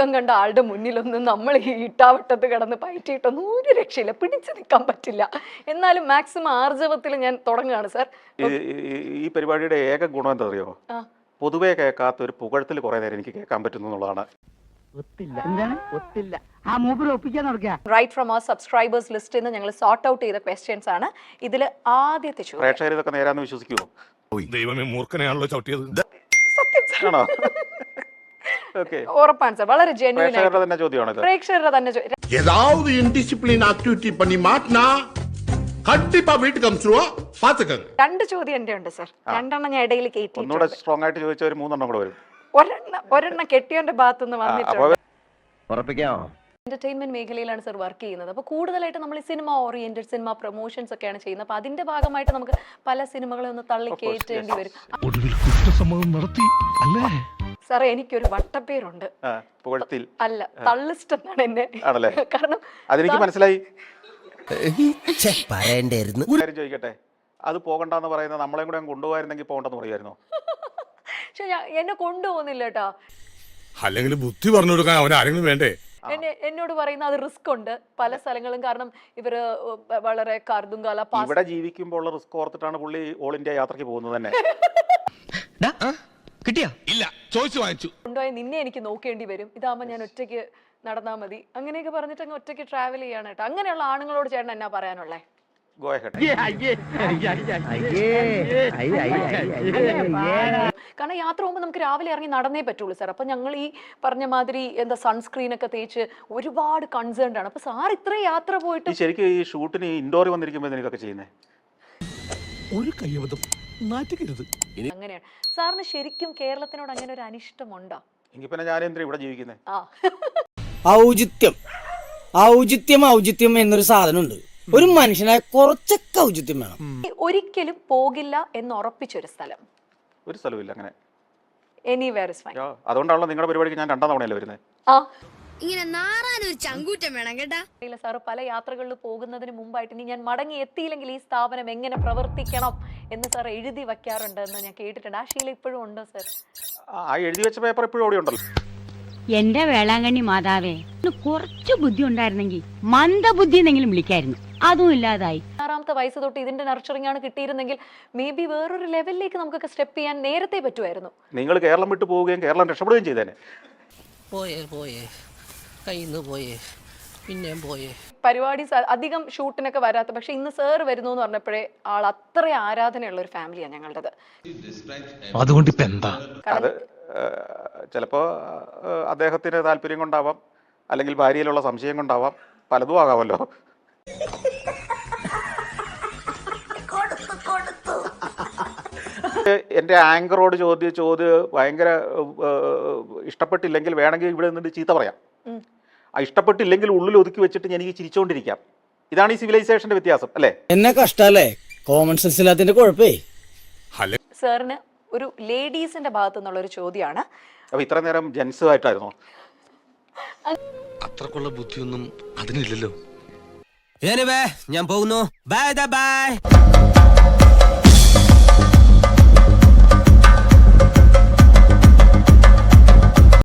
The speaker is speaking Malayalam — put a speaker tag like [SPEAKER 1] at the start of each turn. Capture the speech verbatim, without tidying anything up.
[SPEAKER 1] ദുഃഖം കണ്ട ആളുടെ മുന്നിലൊന്നും നമ്മൾ ഈ ഇട്ടാവട്ടത്ത് കിടന്ന് പയറ്റിയിട്ടൊന്നും ഒരു രക്ഷയില്ല, പിടിച്ചു നിൽക്കാൻ പറ്റില്ല. എന്നാലും മാക്സിമം ആർജവത്തിൽ ഞാൻ തുടങ്ങുകയാണ് സാർ.
[SPEAKER 2] ഈ പരിപാടിയുടെ ഏക ഗുണം എന്താ അറിയോ, പൊതുവെ കേൾക്കാത്ത ഒരു പുകഴത്തിൽ കുറെ നേരം എനിക്ക് കേൾക്കാൻ പറ്റുന്നു എന്നുള്ളതാണ്.
[SPEAKER 1] റൈറ്റ് ഫ്രം അവർ സബ്സ്ക്രൈബേഴ്സ് ലിസ്റ്റിൽ നിന്ന് ഞങ്ങൾ സോർട്ട് ഔട്ട് ചെയ്ത ക്വസ്റ്റ്യൻസ് ആണ്. ഇതിൽ ആദ്യത്തെ ചോദ്യം,
[SPEAKER 2] പ്രേക്ഷകർ ഇതൊക്കെ നേരാന്ന് വിശ്വസിക്കുമോ?
[SPEAKER 3] ദൈവമേ, മൂർഖനെയാണല്ലോ ചവിട്ടിയത്.
[SPEAKER 1] സത്യം സാർ,
[SPEAKER 2] ആണോ? ഓക്കെ,
[SPEAKER 1] ഉറപ്പാണ് സാർ. വളരെ ജെന്യൂൻ
[SPEAKER 2] പ്രേക്ഷകരുടെ തന്നെ ചോദ്യമാണ് ഇത്.
[SPEAKER 1] പ്രേക്ഷകരുടെ തന്നെ ചോദ്യം.
[SPEAKER 4] ஏதாவது இன்டிசிப்ளின் ஆக்டிவிட்டி பண்ணி மாட்டினா கண்டிப்பா வீட்டுக்கு அனுப்பிச்சிருவா, பாத்துக்கங்க.
[SPEAKER 1] രണ്ട് ചോദ്യം എന്റെ ഉണ്ട് സാർ, രണ്ടെണ്ണം ഞാൻ ഇടയിൽ കയറ്റി.
[SPEAKER 2] ഒന്നുകൂടെ സ്ട്രോങ് ആയിട്ട് ചോദിച്ച ഒരു മൂന്നെണ്ണം കൂടെ വരും.
[SPEAKER 1] ഒരെണ്ണം ഒരെണ്ണം കെട്ടിയവന്റെ ഭാഗത്തുനിന്ന് വന്നിട്ടുണ്ട്.
[SPEAKER 5] ഉറപ്പിക്കാമോ?
[SPEAKER 1] എന്റർടൈൻമെന്റ് മേഖലയിലാണ് സർ വർക്ക് ചെയ്യുന്നത്. അപ്പോൾ കൂടുതലായിട്ട് നമ്മൾ ഈ സിനിമ ഓറിയന്റഡ് സിനിമ പ്രൊമോഷൻസ് ഒക്കെയാണ് ചെയ്യുന്നത്. അപ്പോൾ അതിന്റെ ഭാഗമായിട്ട് നമുക്ക് പല സിനിമകളെ ഒന്ന് തള്ളി കയറ്റേണ്ടി വരും. സാറേ, എനിക്കൊരു വട്ടപ്പേരുണ്ട്, അല്ല തള്ളിസ്റ്റ് എന്നാണ് എന്നെ. കാരണം
[SPEAKER 2] അതെനിക്ക് മനസ്സിലായി.
[SPEAKER 5] പറയണ്ടായിരുന്നു.
[SPEAKER 2] ചോദിക്കട്ടെ, അത് പോകണ്ടെന്ന് പറയുന്നത് നമ്മളെയും കൂടെ കൊണ്ടുപോകായിരുന്നെങ്കിൽ പോകണ്ടെന്ന് പറയുമായിരുന്നോ?
[SPEAKER 1] പക്ഷെ എന്നെ കൊണ്ടുപോകുന്നില്ല കേട്ടോ.
[SPEAKER 3] അല്ലെങ്കിൽ ബുദ്ധി പറഞ്ഞു കൊടുക്കാൻ അവൻ ആരെങ്കിലും വേണ്ടേ?
[SPEAKER 1] എന്നെ എന്നോട് പറയുന്ന അത് റിസ്ക് ഉണ്ട് പല സ്ഥലങ്ങളും. കാരണം ഇവര് വളരെ കാർദുങ്കാല
[SPEAKER 2] ഇവിടെ ജീവിക്കുമ്പോൾ റിസ്ക് ഓർത്തിട്ടാണ് പുള്ളി ഓൾ ഇന്ത്യ യാത്രയ്ക്ക് പോകുന്നത് തന്നെ.
[SPEAKER 3] കിട്ടിയാ ഇല്ല, ചോദിച്ചു വാങ്ങിച്ചു.
[SPEAKER 1] കൊണ്ടുപോയി നിന്നെ എനിക്ക് നോക്കേണ്ടി വരും, ഇതാകുമ്പോൾ ഞാൻ ഒറ്റയ്ക്ക് നടന്നാൽ മതി, അങ്ങനെയൊക്കെ പറഞ്ഞിട്ട് അങ്ങ് ഒറ്റയ്ക്ക് ട്രാവൽ ചെയ്യാണ് കേട്ടോ. അങ്ങനെയുള്ള ആണുങ്ങളോട് ചേട്ടൻ എന്നാ പറയാനുള്ളേ? കാരണം യാത്ര പോകുമ്പോൾ നമുക്ക് രാവിലെ ഇറങ്ങി നടന്നേ പറ്റുള്ളൂ സാർ. അപ്പൊ ഞങ്ങൾ ഈ പറഞ്ഞ മാതിരി എന്താ സൺസ്ക്രീൻ ഒക്കെ തേച്ച് ഒരുപാട് കൺസേൺഡ് ആണ്. അപ്പൊ സാർ ഇത്ര യാത്ര പോയിട്ട്
[SPEAKER 2] ശരിക്കും ഈ ഷൂട്ടിന് ഇൻഡോറിൽ വന്നിരിക്കുമ്പോൾ എനിക്കൊക്കെ ചെയ്യുന്നത്
[SPEAKER 3] ഒരു കയ്യബദ്ധം നാറ്റിക്കരുത്.
[SPEAKER 1] അങ്ങനെയാണ് സാറിന് ശരിക്കും കേരളത്തിനോട് അങ്ങനെ ഒരു അനിഷ്ടമുണ്ടോ?
[SPEAKER 2] എങ്കിൽ പിന്നെ ഞാൻ എന്തിനാ ഇവിടെ ജീവിക്കുന്നത്?
[SPEAKER 1] ആ
[SPEAKER 6] ഔചിത്യം ഔചിത്യം ഔചിത്യം എന്നൊരു സാധനമുണ്ട്. ഒരു മനുഷ്യനായ കുറച്ചൊക്കെ ഔചിത്യം വേണം.
[SPEAKER 1] ഒരിക്കലും പോകില്ല എന്ന് ഉറപ്പിച്ചൊരു സ്ഥലം?
[SPEAKER 2] ഒരു സ്ഥലമില്ല അങ്ങനെ.
[SPEAKER 1] Anywhere is fine.
[SPEAKER 2] അതുകൊണ്ടാണല്ലോ നിങ്ങളുടെ പരിപാടിക്ക് ഞാൻ രണ്ടാം തവണയല്ലേ വരുന്നത്.
[SPEAKER 1] ആ
[SPEAKER 7] ഇങ്ങനെ നാറാനൊരു ചങ്കൂറ്റം വേണം കേട്ടാ.
[SPEAKER 1] സാറ് പല യാത്രകളിൽ പോകുന്നതിന് മുമ്പായിട്ട് ഇനി ഞാൻ മടങ്ങി എത്തിയില്ലെങ്കിൽ ഈ സ്ഥാപനം എങ്ങനെ പ്രവർത്തിക്കണം എന്ന് സാർ എഴുതി വെക്കാറുണ്ട് എന്ന് ഞാൻ കേട്ടിട്ടുണ്ട്. ആ ശീലം ഇപ്പോഴും ഉണ്ടോ സാർ?
[SPEAKER 2] ആ എഴുതി വെച്ച പേപ്പർ ഇപ്പോഴും ഓടി ഉണ്ടല്ലോ.
[SPEAKER 8] എന്റെ വേളാങ്കണ്ണി മാതാവേ, കുറച്ചു ബുദ്ധി ഉണ്ടായിരുന്നെങ്കിൽ മന്ദബുദ്ധി എന്നെങ്കിലും വിളിക്കായിരുന്നു. അതും ഇല്ലാതായി.
[SPEAKER 1] ആറാമത്തെ വയസ്സ് തൊട്ട് ഇതിന്റെ നർച്ചറിംഗ് ആണ് കിട്ടിയിരുന്നെങ്കിൽ മേ ബി വേറൊരു ലെവലിലേക്ക് നമുക്കൊക്കെ സ്റ്റെപ്പ് ചെയ്യാൻ നേരത്തെ പറ്റുമായിരുന്നു.
[SPEAKER 2] നിങ്ങൾ കേരളം വിട്ടു പോവുകയും കേരളം രക്ഷപ്പെടുകയും ചെയ്തേനെ.
[SPEAKER 9] പോയേ പോയേ കയ്യിന്ന് പോയേ പിന്നെയും പോയേ.
[SPEAKER 1] പരിപാടി അധികം ഷൂട്ടിനൊക്കെ വരാത്ത, പക്ഷെ ഇന്ന് സാർ വരുന്നു എന്ന് പറഞ്ഞപ്പോഴേ ആൾ അത്ര ആരാധനയുള്ള ഒരു ഫാമിലിയാണ് ഞങ്ങളുടേത്.
[SPEAKER 3] അതുകൊണ്ട് ഇപ്പൊ എന്താ?
[SPEAKER 2] അത് ചിലപ്പോ അദ്ദേഹത്തിന് താല്പര്യം കൊണ്ടാവാം, അല്ലെങ്കിൽ ഭാര്യയിലുള്ള സംശയം കൊണ്ടാവാം, പലതും ആകാമല്ലോ. എന്റെ ആങ്കറോട് ചോദ്യ ചോദ്യം ഭയങ്കര ഇഷ്ടപ്പെട്ടില്ലെങ്കിൽ വേണമെങ്കിൽ ഇവിടെ നിന്നിട്ട് ചീത്ത പറയാം. ആ ഇഷ്ടപ്പെട്ടില്ലെങ്കിൽ ഉള്ളിൽ ഒതുക്കി വെച്ചിട്ട് എനിക്ക് ചിരിച്ചോണ്ടിരിക്കാം. ഇതാണ് ഈ സിവിലൈസേഷന്റെ വ്യത്യാസം അല്ലേ?
[SPEAKER 6] എന്നെ കഷ്ടല്ലേ, കോമൺ സെൻസ് ഇല്ലാത്തതിന്റെ കുഴപ്പേ.
[SPEAKER 1] സാറിന് ഒരു ലേഡീസിന്റെ ഭാഗത്തു നിന്നുള്ള ഒരു ചോദ്യമാണ്.
[SPEAKER 2] അപ്പൊ ഇത്ര നേരം ജെൻസ് ആയിട്ടായിരുന്നോ?
[SPEAKER 3] അത്രക്കുള്ള ബുദ്ധിയൊന്നും അതിനില്ലല്ലോ.
[SPEAKER 5] ഞാൻ പോകുന്നു. Bye by.